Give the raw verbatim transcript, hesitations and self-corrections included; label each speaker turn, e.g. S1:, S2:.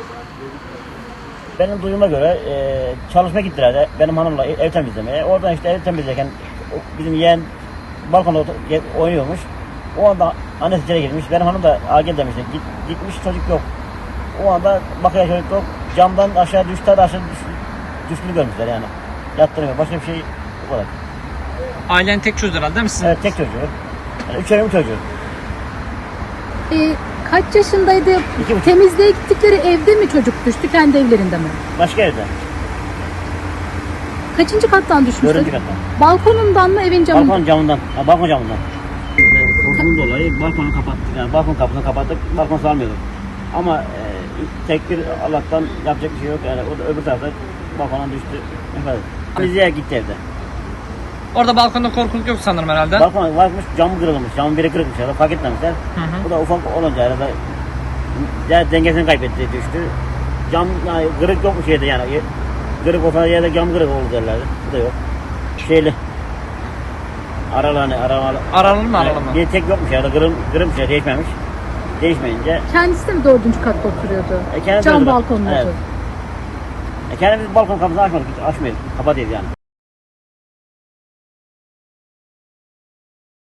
S1: Benim duyuma göre e, çalışma gittiler de benim hanımla ev temizlemeye. Oradan işte ev temizlerken bizim yeğen balkonda oynuyormuş. O anda annesi içeri girmiş. Benim hanım da agil demişti. Git, gitmiş çocuk yok. O anda bakıyor çocuk yok. Camdan aşağı düştü, aşağı düştü, düştüğünü görmüşler yani. Yattırmıyor. Başka bir şey bu kadar.
S2: Ailen tek çocuk herhalde değil mi sizin?
S1: Evet, tek çocuğu. Yani üç evim çocuğu.
S3: Ee, kaç yaşındaydı?
S1: İki buçuk.
S3: Temizliğe gittikleri evde mi çocuk düştü, kendi evlerinde mi?
S1: Başka evde.
S3: Kaçıncı kattan düşmüştü?
S1: Dördüncü kattan.
S3: Balkonundan mı, evin camından?
S1: Balkon camından. Ha, balkon camından. Korkunun dolayı balkonu kapattık. Yani balkon kapısını kapattık. Balkon salmıyorduk. Ama e, tek bir Allah'tan yapacak bir şey yok. Yani o da öbür tarafta balkondan düştü. Evet. Temizliğe gitti evde.
S2: Orada balkonda korkuluk yok sanırım herhalde.
S1: Balkon varmış, camı kırılmış. Camın biri kırılmış ya da fark etmemişler.
S2: Hı hı.
S1: Bu da ufak olunca arada ya dengesini kaybetti, düştü. Cam yani kırık yok bir şeyde yani. Kırık olsa yerde cam kırık olur derlerdi. Bu da yok. Şeyli. Aralarını, aralarını.
S2: Aralı mı aralı mı?
S1: Bir tek yokmuş ya da kırıl, kırılmış ya, değişmemiş. Değişmeyince
S3: Kendisi de mi dördüncü katta oturuyordu?
S1: E, kendisi
S3: Cam
S1: oturuyor.
S3: balkonlu
S1: Evet.
S3: oturuyordu.
S1: e, kendimiz balkon kapısını açmadık, hiç açmıyorduk. Kapatıyorduk yani.